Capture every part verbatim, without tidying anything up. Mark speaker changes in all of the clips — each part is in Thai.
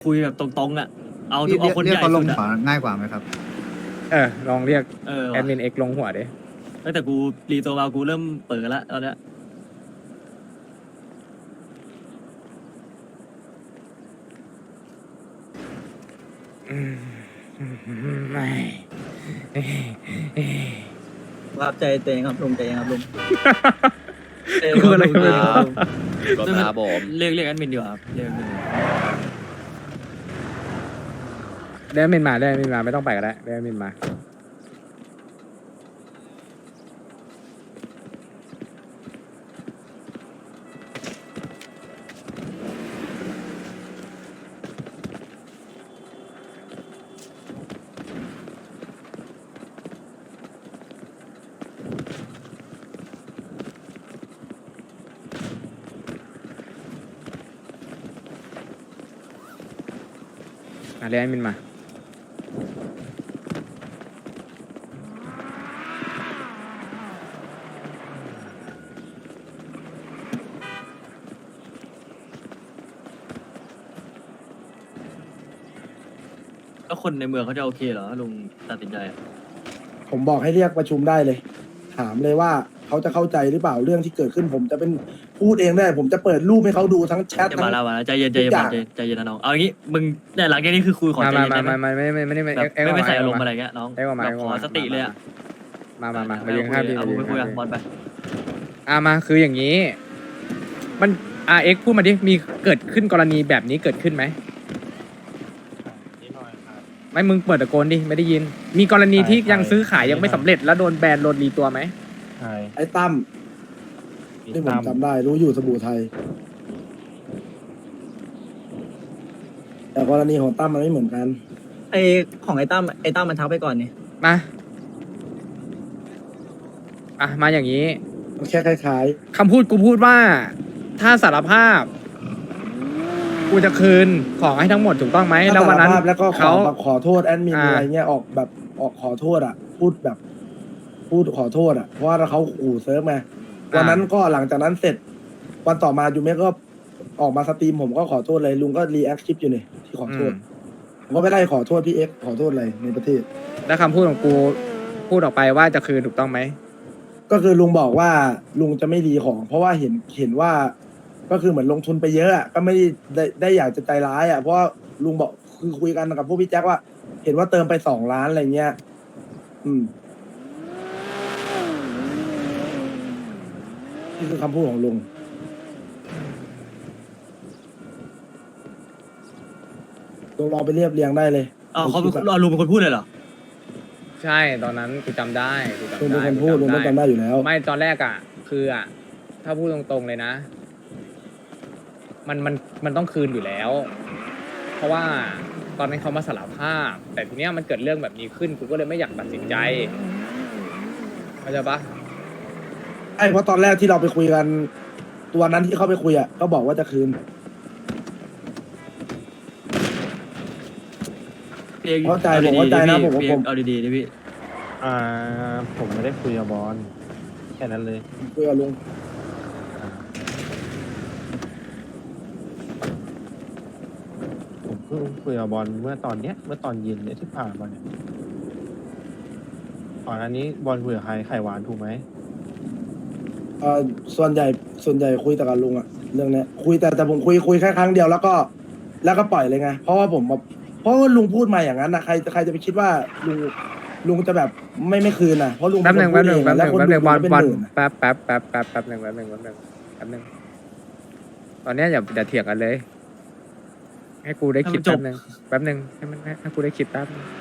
Speaker 1: คุยแบบตรงๆอ่ะเอาทุ
Speaker 2: พี่
Speaker 1: กเอาคน
Speaker 2: เรีย
Speaker 1: ให
Speaker 2: ก
Speaker 1: ญ่
Speaker 2: เขาล
Speaker 1: สุ
Speaker 2: ง
Speaker 1: ดอ่ะ
Speaker 2: ขวาง่ายกว่าไหมครับ
Speaker 3: เออลองเรียก
Speaker 1: เออ
Speaker 3: แอดมินเอ็กลงหัวดิ
Speaker 1: ตั้งแต่กูรีตัวมากูเริ่มเปิดแล้วตอนเนี้ย
Speaker 3: อืมไม่
Speaker 4: รับใจตัวเองครับลุงใจเย็นครับลุง
Speaker 1: เออ
Speaker 3: กูอะไรก็ไม่รู้
Speaker 5: ก็ตาบอม
Speaker 1: เรียกเรียกแอดมินดีกว่าครับเรียกแอดมินดีกว่า
Speaker 3: ได้แอดมินมาได้แอดมินมาไม่ต้องไปก็ได้ได้แอดมินมาอ่ะเรียกแอดมินมา
Speaker 1: แล้วคนในเมืองเขาจะโอเคเหรอลุงตัดสินใจอะ
Speaker 6: ผมบอกให้เรียกประชุมได้เลย ถามเลยว่าเขาจะเข้าใจหรือเปล่าเรื่องที่เกิดขึ้น ผมจะเป็นพูดเองได้ ผมจะเปิดรูปให้เขาดูทั้งแชท
Speaker 1: จะ
Speaker 6: ทั้
Speaker 1: มาง แล้วมาแล้วใจเย็นใจเย็น
Speaker 6: ทุกอย่าง
Speaker 1: ใจเย็นใจเย็นนะน้องเอาอย่างงี้มึงเนี่ยหลังจากนี้คือคุยขอ
Speaker 3: มา
Speaker 1: ใจ
Speaker 3: มา
Speaker 1: เย็น
Speaker 3: มา
Speaker 1: ได้ไหม
Speaker 3: มาไม่ไม่ไม่ไม่ไม่
Speaker 1: แบบ
Speaker 3: เอ็กเอ็ก
Speaker 1: ไม่ไม่
Speaker 3: มา
Speaker 1: ใส่อารมณ์
Speaker 3: เอ็ก
Speaker 1: อะไรเงี้ยน้อง
Speaker 3: เอ็กมา
Speaker 1: แบบ
Speaker 3: เอ็ก
Speaker 1: ขอ
Speaker 3: มา
Speaker 1: สติเลยอะ
Speaker 3: มามามา
Speaker 1: เอ
Speaker 3: มา
Speaker 1: อ
Speaker 3: ยืนข้างพี่
Speaker 1: เอา
Speaker 3: มายื
Speaker 1: ไป
Speaker 3: น
Speaker 1: คุย
Speaker 3: ข้าง
Speaker 1: กับ
Speaker 3: พี่
Speaker 1: บอลไป
Speaker 3: อ่ามาคืออย่างนี้ มันอ่าเอ็กพูดมาดิมีเกิดขึ้นกรณีแบบนี้เกิดขึ้นไหมไม่มึงเปิดตะโกนดิไม่ได้ยิน มีกรณีที่ยังซื้อขายยังไม่สำเร็จแล้วโดนแบนโดนรีตัวไหม
Speaker 7: ใช่
Speaker 6: ไอ้ตั้มที่ผมจำได้รู้อยู่สบู่ไทย แต่กรณีของตั้มมันไม่เหมือนกัน
Speaker 4: ไอของไอ้ตั้มไอ้ตั้มมันทักไปก่อนนี่
Speaker 3: มาอ่ะมาอย่างนี้
Speaker 6: มันแค่คล้าย
Speaker 3: คำพูดกูพูดว่า ถ้าสารภาพ กูจะคืนของให้ทั้งหมดถูกต้องไหม
Speaker 6: ๆถ้า
Speaker 3: แล้ววันนั้น
Speaker 6: สารภาพแล้วก็ขอ
Speaker 3: เขา
Speaker 6: แบบขอโทษแอดมิน
Speaker 3: อ่า
Speaker 6: อะไรเงี้ยออกแบบออกขอโทษอ่ะ พูดแบบ พูดขอโทษอ่ะเพราะว่าเขาขู่เซิร์ฟไงวันนั้นก็หลังจากนั้นเสร็จ วันต่อมายูเมะก็ออกมาสตรีมผมก็ขอโทษเลยลุงก็รีแอคคลิปอยู่นี่ที่ขอโทษ
Speaker 3: อืม
Speaker 6: ผมก็ไม่ได้ขอโทษพี่เอ็กซ์ขอโทษอะไรในประเทศ
Speaker 3: แล้วคำพูดของกูพูดออกไปว่าจะคืนถูกต้องไหม
Speaker 6: ก็คือลุงบอกว่าลุงจะไม่รีของ เพราะว่าเห็นเห็นว่า ก็คือเหมือนลงทุนไปเยอะอะก็ไม่ได้ได้ได้อยากจะใจร้ายอ่ะเพราะว่าลุงบอกคือคุยกันกับพวกพี่แจ็คว่า เห็นว่าเติมไปสองล้านอะไรเงี้ย อืมนี่คือคำพูดของลุงลุงลองไปเรียบเรียงได้เลย
Speaker 1: อ๋อเขาเป็นเอาลุงเป็นคนพูดเลยเหรอ
Speaker 3: ใช่ตอนนั้นกูจำได้กูจำ
Speaker 6: ลุง
Speaker 3: ได้
Speaker 6: เป็นคนพูดลุงต้องจำได้อยู่แล้ว
Speaker 3: ไม่ตอนแรกอ่ะ คืออ่ะ ถ้าพูดตรงๆเลยนะ มันมันมันต้องคืนอยู่แล้ว เพราะว่าตอนนั้นเขามาสารภาพ แต่ทีเนี้ยมันเกิดเรื่องแบบนี้ขึ้นกูก็เลยไม่อยากตัดสินใจเข้าใจปะ
Speaker 6: ไอ้เพราะตอนแรกที่เราไปคุยกัน ตัวนั้นที่เขาไปคุยอ่ะก็บอกว่าจะคืน
Speaker 1: พี่เอก
Speaker 6: เข้าใจ
Speaker 1: อ
Speaker 6: ผม
Speaker 1: ดีๆ
Speaker 6: เข้าใจนะ
Speaker 1: ดิ
Speaker 6: ผม
Speaker 1: พี่
Speaker 6: ผม
Speaker 1: เอาดีๆดิพี่
Speaker 7: อ่าผมไม่ได้คุยกับบอลแค่นั้นเลย
Speaker 6: คุยกับลุง
Speaker 7: ผมเพิ่งคุยกับบอลเมื่อตอนเนี้ยเมื่อตอนเย็นเนี่ยที่ผ่านมาเนี่ยก่อนอันนี้บอลคุยกับใครไข่หวานถูกไหม
Speaker 6: เอ่อส่วนใหญ่ส่วนใหญ่คุยแต่กับลุงอะเรื่องเนี้ยคุยแต่แต่ผมคุยคุยแค่ครั้งเดียวแล้วก็ แล้วก็ปล่อยเลยไงเพราะว่าผมแบบเพราะว่าลุงพูดมาอย่างนั้นนะใครใครจะไปคิดว่าลุงลุงจะแบบไม่ไม่คืนนะเพราะลุง
Speaker 3: แป๊บหนึ่ง
Speaker 6: เป็
Speaker 3: แป๊บ
Speaker 6: ค
Speaker 3: หนึ่ง
Speaker 6: พู
Speaker 3: แป๊
Speaker 6: ด
Speaker 3: บห
Speaker 6: เอ
Speaker 3: นึ่ง
Speaker 6: ง
Speaker 3: แป๊บหนึ่งบอล
Speaker 6: แล้วคนดูเป็น
Speaker 3: บอล
Speaker 6: หมื่นอะ
Speaker 3: แป๊บแป๊บแป๊บแป๊บแป๊บแป๊บหนึ่งแป๊บหนึ่งแป๊บหนึ่งแป๊บหนึ่งตอนเนี้ยอย่าอย่าเถียงกันเลย ให้กูได้คิด
Speaker 1: ให้มันจ
Speaker 3: แป๊
Speaker 1: บ
Speaker 3: บหนึ่งแป๊บหนึ่งให้มันให้ให้กูได้คิดแป๊บนึง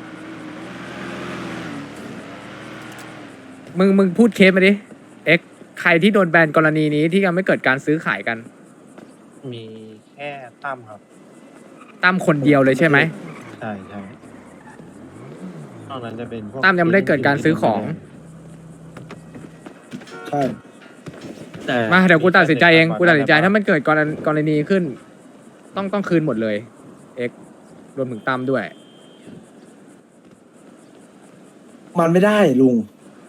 Speaker 3: มึงมึงพูดเคสมาดิเอ็กใครที่โดนแบนกรณีนี้ที่ยังไม่เกิดการซื้อขายกัน
Speaker 7: มีแค่ตั้มครับ
Speaker 3: ตั้มคนเดียวเลยใช่ไหม
Speaker 7: ใช่ใช่นอกนั้นจะเป็นพวก
Speaker 3: ตั้มยังไม่ได้เกิดการซื้อของ
Speaker 6: ใช่
Speaker 1: แต่
Speaker 3: มาเดี๋ยวกูตัดสินใจเองกูตัดสินใจถ้ามันเกิดกรณกรณีขึ้น ต้องต้องคืนหมดเลย เอ็กรวมถึงตั้มด้วย
Speaker 6: มันไม่ได้ลุง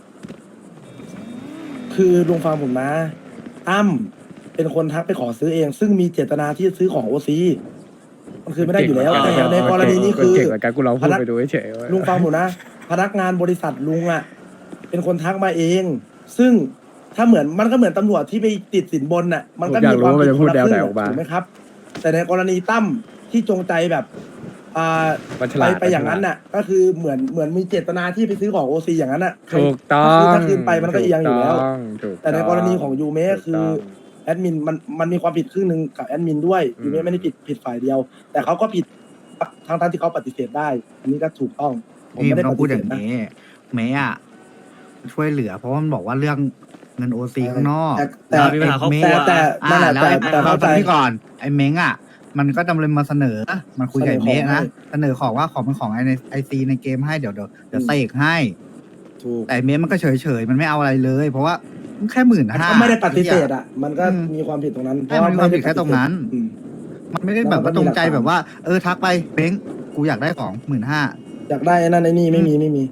Speaker 6: คือลุงฟังผมนะตั้มเป็นคนทักไปขอซื้อเอง ซึ่งมีเจตนาที่จะซื้อของโอซีมันคืนไม่ได้อยู่แล้ว
Speaker 1: เก่
Speaker 6: แต่
Speaker 1: ง
Speaker 6: ในกรณีนี้คือ
Speaker 3: เก่งเหมือนกันกูลองพูดไปดูเฉยๆ
Speaker 6: ลุงฟังผมนะ พนักงานบริษัทลุงอ่ะเป็นคนทักมาเอง ซึ่งถ้าเหมือนมันก็เหมือนตำรวจที่ไปติดสินบนน่ะมันก็
Speaker 3: ผมอยา
Speaker 6: มี
Speaker 3: กรู้
Speaker 6: ความ
Speaker 3: ว่ามัน
Speaker 6: ผิด
Speaker 3: จะ
Speaker 6: ค
Speaker 3: พูด
Speaker 6: นละ
Speaker 3: แนว
Speaker 6: ค
Speaker 3: ไหน
Speaker 6: รึ่ง
Speaker 3: ออกมา
Speaker 6: ถูกไหมครับ แต่ในกรณีตั้มที่จงใจแบบอ่า
Speaker 3: มันฉ
Speaker 6: ไป
Speaker 3: ลาด
Speaker 6: ไปอย่างนั้นน่ะ ก็คือเหมือนเหมือนมีเจตนาที่ไปซื้อของโอซีอย่างนั้นน่ะ
Speaker 3: ถูกต้อง
Speaker 6: ถ้าคืนไปมันก็เอียงอยู่แล้ว
Speaker 3: ถูกต้องถูก
Speaker 6: แต่ในกรณีของยูเมะ
Speaker 3: ถูก
Speaker 6: คือ
Speaker 3: ต้อง
Speaker 6: แอดมินมันมันมีความผิดครึ่งหนึ่งกับแอดมินด้วย
Speaker 3: อืม
Speaker 6: ยูเมะไม่ได้ผิดผิดฝ่ายเดียว แต่เขาก็ผิดทั้งทั้งที่เขาปฏิเสธได้ อันนี้ก็ถูกต้องผม
Speaker 2: นี่
Speaker 6: ไม่
Speaker 2: มัน
Speaker 6: ได้
Speaker 2: ต้อ
Speaker 6: ป
Speaker 2: งพู
Speaker 6: ฏิ
Speaker 2: ด
Speaker 6: เส
Speaker 2: อ
Speaker 6: ธ
Speaker 2: ย่าง
Speaker 6: นะ
Speaker 2: นี้เมย์อะช่วยเหลือ เพราะว่ามันบอกว่าเรื่องเงินโอซีข้างนอก
Speaker 6: แต่แต่
Speaker 1: เรามีปัญหาครอบครัว
Speaker 6: แต่แต่นั่นแหละ
Speaker 2: แล้ว
Speaker 6: แต่
Speaker 2: ไอ้
Speaker 6: แต่
Speaker 2: เรา
Speaker 6: เข้าใจ
Speaker 2: ฟังพี่ก่อนไอ้เม้งอะมันก็จำเลยมาเสนอ มันคุยกับไอ้เมย์นะ เสนอของว่าของเป็นของไอในไอซีในเกมให้เดี๋ยวเดี๋ยวเดี๋ยวเสกให้
Speaker 6: ถูก
Speaker 2: แต่ไอ้เมย์มันก็เฉยเฉยๆมันไม่เอาอะไรเลย เพราะว่ามันแค่หมื่น
Speaker 6: มัน
Speaker 2: ห้า
Speaker 6: ก็ไม่ได้ปฏิเสธอ่ะ มันก็มีความผิดตรงนั้น
Speaker 2: ใช่มันมีความผิดแค่ตรงนั้น
Speaker 6: อืม
Speaker 2: มันไม่ได้แบบว่าตรงใจแบบว่า เออทักไปเม้งกูอยากได้ของหมื่นห้า
Speaker 6: อยากได้ไอ้นั่นไอ้นี่ไม่มีไม่มี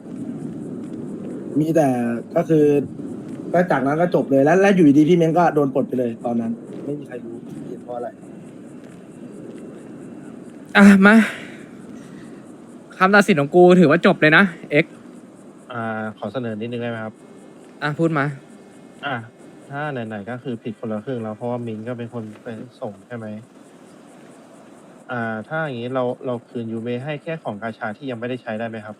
Speaker 6: มีแต่ก็คือก็จากนั้นก็จบเลยแล้วแล้วอยู่ดีๆพี่เม้งก็โดนปลดไปเลยตอนนั้น ไม่มีใครรู้เหตุเพราะอะไร
Speaker 3: อ่ะมาคำตัดสินของกูถือว่าจบเลยนะเอ็ก
Speaker 7: อ่าขอเสนอนิดนึงได้ไหมครับ
Speaker 3: อ่ะพูดมา
Speaker 7: อ่ะถ้าไหนๆก็คือผิดคนละครึ่งแล้วเพราะว่ามินก็เป็นคนไปส่งใช่ไหมอ่า ถ้าอย่างนี้เราเราคืนยูเมให้แค่ของกาชาที่ยังไม่ได้ใช้ได้ไหมครับ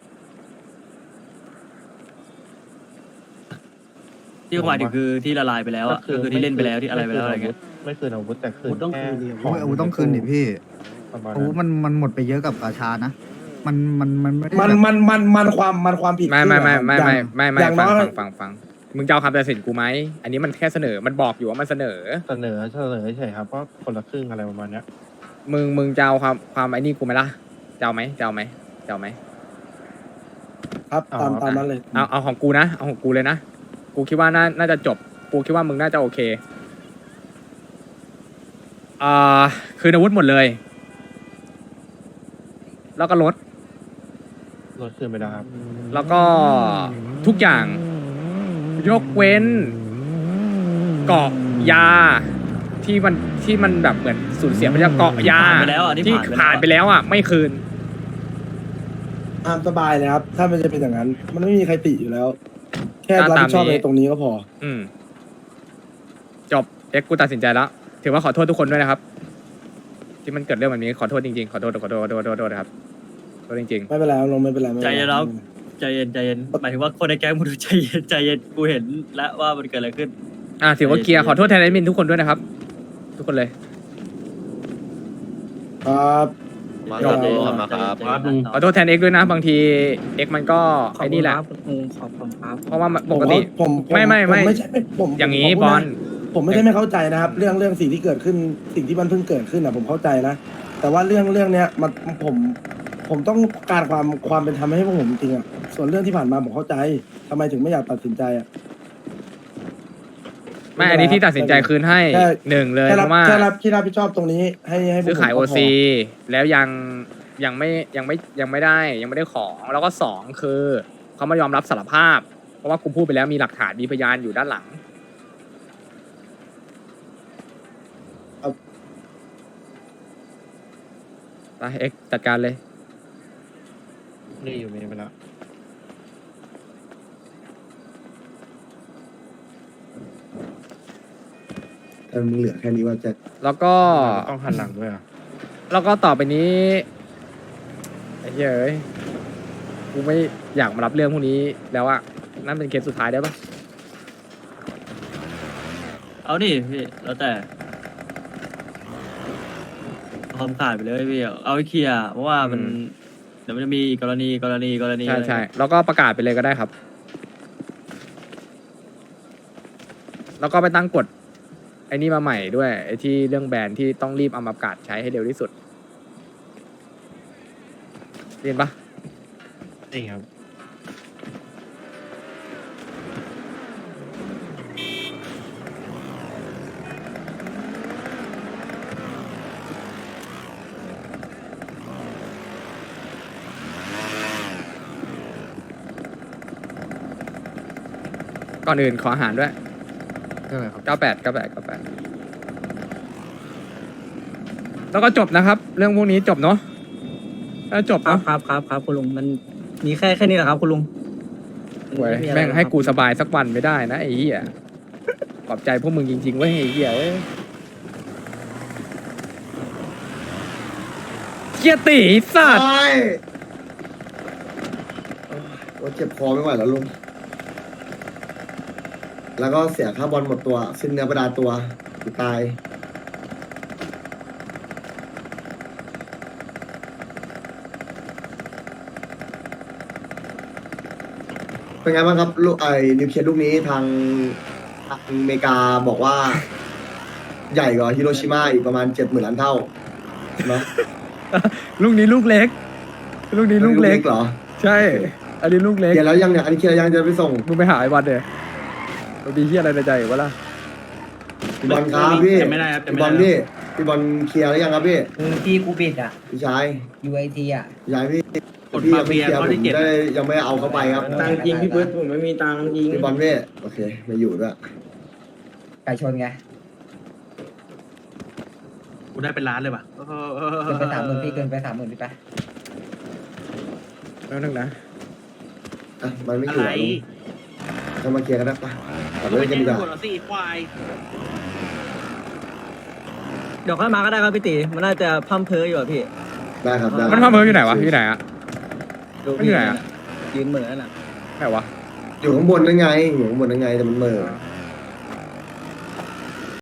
Speaker 1: ที่หมายถึงคือที่ละลายไปแล้วอ่ะก็คือที่เล่นไปแล้วที่อะไรไปแล้วอะไรเงี้ย
Speaker 7: ไม่คืนอาวุธแต่คืน
Speaker 8: ต้อง
Speaker 7: แค่
Speaker 8: คืนดิ
Speaker 7: ข
Speaker 2: โอ้ยอาวุธต้องคืนดิพี่
Speaker 7: ประมาณ
Speaker 2: อาวุธ
Speaker 7: นั้น
Speaker 2: มันมันหมดไปเยอะกับกาชานะ มันมันมันไม่ได้
Speaker 6: มัน
Speaker 2: แบบ
Speaker 6: มันมันมันความมันความผิด
Speaker 3: ไม่ไม่ไม่ไม่
Speaker 6: อย่าง
Speaker 3: ไม่ไม่ไม่
Speaker 6: อย่าง
Speaker 3: ฟัง
Speaker 6: น้อย
Speaker 3: ฟังฟังฟังมึงจะเอาคำตัดสินกูไหมอันนี้มันแค่เสนอมันบอกอยู่ว่ามันเสนอ
Speaker 7: เสนอเสนอเฉยๆครับก็คนละครึ่งอะไรประมาณเนี้ย
Speaker 3: มึงมึงจะเอาความความไอ้นี่กูไหมล่ะจะเอาไหมจะเอาไหมจะเอาไหม
Speaker 6: ครับตามตามนั้นเลย
Speaker 3: เอาเอาของกูนะเอาของกูเลยนะกูคิดว่าน่าน่าจะจบกูคิดว่ามึงน่าจะโอเคอ่าคืนอาวุธหมดเลย แล้วก็ลด
Speaker 7: ลดคืนไปแล้วครับ
Speaker 3: แล้วก็ทุกอย่าง ยกเว้นเกาะยาที่มันที่มันแบบเหมือนสูญเสียไปแล้วเกาะยา
Speaker 1: ผ่านไปแล้วอ่ะนี่
Speaker 3: ที่
Speaker 1: ผ่า
Speaker 3: ผ่าน น
Speaker 1: ไป
Speaker 3: ไป
Speaker 1: แล้ว
Speaker 3: แล้วอ่ะไม่คืน
Speaker 6: ตามสบายเลยครับ ถ้ามันจะเป็นอย่างนั้น มันไม่มีใครติอยู่แล้ว แค่
Speaker 3: ตาม
Speaker 6: รับผิดชอบ
Speaker 3: ตามนี้
Speaker 6: ในตรงนี้ก็พอ
Speaker 3: อืมจบเอ็กซ์กูตัดสินใจแล้วถือว่าขอโทษทุกคนด้วยนะครับ ที่มันเกิดเรื่องแบบนี้ขอโทษจริงๆขอโทษขอโทษขอโทษขอโทษขอโทษนะครับขอโทษจริง
Speaker 6: ไม่เป็นไรครับลงไม่เป็นไรไม่เป็น
Speaker 1: ใจ
Speaker 6: ไร
Speaker 1: เย็นแล้วใจเย็นใจเย็นหมายถึงว่าคนในแก๊งมึงดูใจเย็นใจเย็นกูเห็นแล้วว่ามันเกิดอะไรขึ้น
Speaker 3: ๆอ่าถือว่าเคลียร์ขอโทษแทนแอดมินทุกคนด้วยนะครับ ทุกคนเลย
Speaker 6: ครับ
Speaker 5: มา
Speaker 6: ค
Speaker 5: ค
Speaker 6: รั
Speaker 5: รับ บขอบคุณครับ
Speaker 8: ครับลุง
Speaker 3: ขอโทษแทนเอ็กซ์ด้วยนะ บางทีเอ็กซ์มันก็ไอ้นี่แหละ
Speaker 4: ลุงขอบคุณครับ
Speaker 3: เพราะว่ามัน
Speaker 6: ผ
Speaker 3: ป
Speaker 6: ม
Speaker 3: กติ
Speaker 6: ผมผ
Speaker 3: ไม่ไม่ไม่
Speaker 6: ผไม่ใช่ไม่ผม
Speaker 3: อย่างนี้
Speaker 6: นี้
Speaker 3: บอล
Speaker 6: ผมไม่ใช่ไม่เข้าใจนะครับ เรื่องเรื่องสิ่งที่เกิดขึ้นสิ่งที่มันเพิ่งเกิดขึ้นอ่ะผมเข้าใจนะ แต่ว่าเรื่องเรื่องเนี้ยมันผมผมต้องการความความเป็นธรรมให้พวกผมจริงๆอ่ะส่วนเรื่องที่ผ่านมาผมเข้าใจทำไมถึงไม่อยากตัดสินใจอ่ะ
Speaker 3: ไม่อันนี้ที่ตัดสินใจคืนให้
Speaker 6: แค่
Speaker 3: หนึ่งเลย
Speaker 6: แค่
Speaker 3: เพ
Speaker 6: รับ
Speaker 3: ราะว่า
Speaker 6: แค่รับที่รับผิดชอบตรงนี้ให้ให้พวก
Speaker 3: ซื้อขาย
Speaker 6: ผ
Speaker 3: โอ
Speaker 6: มก็พ
Speaker 3: ซีแล้วยังยังไม่ยังไม่ยังไม่ได้ยังไม่ได้ของแล้วก็สองคือเขามายอมรับสารภาพ เพราะว่ากูพูดไปแล้วมีหลักฐานมีพยานอยู่ด้านหลังไปเอ็กซ์จัดการเลย
Speaker 7: นี่อยู่เมย์ไปแล้ว
Speaker 8: แต่มึงเหลือแค่นี้ว่าจะ
Speaker 3: แล้วก็
Speaker 7: ต้องหันหลังด้วยอ่ะ
Speaker 3: แล้วก็ต่อไปนี้ไอ้เหี้ยเอ้ยกูไม่อยากมารับเรื่องพวกนี้แล้วอะนั่นเป็นเคสสุดท้ายได้ปะ
Speaker 1: เอาดิพี่แล้วแต่เอาคำขาดไปเลยพี่เอาไว้เคลียร์เพราะว่ามันเดี๋ยวมันจะมีอีกกรณีกรณีกรณี
Speaker 3: ใช่ใช่แล้วก็ประกาศไปเลยก็ได้ครับ แล้วก็ไปตั้งกฎไอ้นี่มาใหม่ด้วยไอ้ที่เรื่องแบรนด์ที่ต้องรีบเอามาประกาศใช้ให้เร็วที่สุดเรียนปะ
Speaker 7: นี่ครับ
Speaker 3: ก่อนอื่นขออาหารด้วย
Speaker 2: ใช่ไหมครับ
Speaker 3: เก้าแปด เก้าแปด เก้าแปดแล้วก็จบนะครับ เรื่องพวกนี้จบเนาะถ้าจบ
Speaker 4: ครับ
Speaker 3: เนาะ
Speaker 4: ครับครับครับคุณลุงมันมีแค่แค่นี้แหละครับคุณลุง
Speaker 3: เว้ย
Speaker 4: ไอะไร
Speaker 3: แม่ง
Speaker 4: รอ
Speaker 3: ให้
Speaker 4: ครับ
Speaker 3: กูสบายสักวันไม่ได้นะไอ้เหี้ยขอบใจพวกมึงจริงๆเว้ยไอ้เหี้ยเอ้ยเกียร์ตีสัตว์
Speaker 8: ใช่โอ้เจ็บคอไม่ไหวแล้วลุง แล้วก็เสียค่าบอลหมดตัว สิ้นเนื้อประดาตัวตาย เป็นไงบ้างครับลูกไอ้นิวเคลียร์ลูกนี้ทางทางอเมริกาบอกว่า ใหญ่กว่าฮิโรชิมาอีกประมาณเจ็ดหมื่นล้านเท่าเนาะ
Speaker 3: ลูกนี้ลูกเล็ก ลูกนี้ลูกเล็ก
Speaker 8: เหรอ
Speaker 3: ใช่ อันนี้ลูกเล็ก
Speaker 8: เคลียร์แล้วยังเนี่ยอันนี้เคลียร์ยังจะไปส่ง
Speaker 3: มึงไปหาไอ้บอลเดี๋ยมันมีเหี้ยอะไรในใจอยู่วะล่ะ
Speaker 8: พี่บอลครับพี่
Speaker 1: จำไม่ได้ครับจำ
Speaker 8: พี่
Speaker 1: ไม่
Speaker 8: บอล
Speaker 1: ได้
Speaker 8: พี่พี่บอลเคลียร์แล้วยังครับพี่
Speaker 9: คือที่กูบิดอ่ะ
Speaker 8: พี่ชาย
Speaker 9: ยูไอทีอ่ะ
Speaker 8: พี่ชายพี่
Speaker 1: กด
Speaker 8: พี่
Speaker 1: มา
Speaker 8: ยังไม่
Speaker 1: เฟีย
Speaker 8: เคลียร์
Speaker 1: ข้อ
Speaker 8: ผ
Speaker 1: ที่
Speaker 8: ม
Speaker 1: เจ็ด
Speaker 8: ได้ยังไม่เอาเข้าไปครับ
Speaker 9: ตังค์จริงพี่เบิร์ดผมไม่มีตังค์จริง
Speaker 8: พี่บอลพี่โอเคไม่อยู่ด้วย
Speaker 9: ไก่ชนไง
Speaker 1: กูได้เป็นล้านเลยป่ะ
Speaker 9: เกินไปสามหมื่นพี่เกินไปสามหมื่นพี่ไป
Speaker 3: แล้วนึงนะ
Speaker 8: อ่ะมันไม่อยู่อ่ะลุงจะมาเคลียร์กันได้ปะตัดเรื่องกันดีกว่า
Speaker 4: เดี๋ยวค่อยมาก็ได้ครับพี่ตีมันน่าจะพั่มเพออยู่อะพี่
Speaker 8: ได้ครับได้
Speaker 3: มันพาเมืออยู่ไหนวะอยู่ไหนอะ
Speaker 4: ดู
Speaker 3: มันอยู่ไหนอะ
Speaker 4: ยืนเหมือนน่ะ
Speaker 3: ไหนวะ
Speaker 8: อยู่ข้างบนนั่นไงอยู่ข้างบนนั่นไงแต่มันเหม่อ
Speaker 3: อ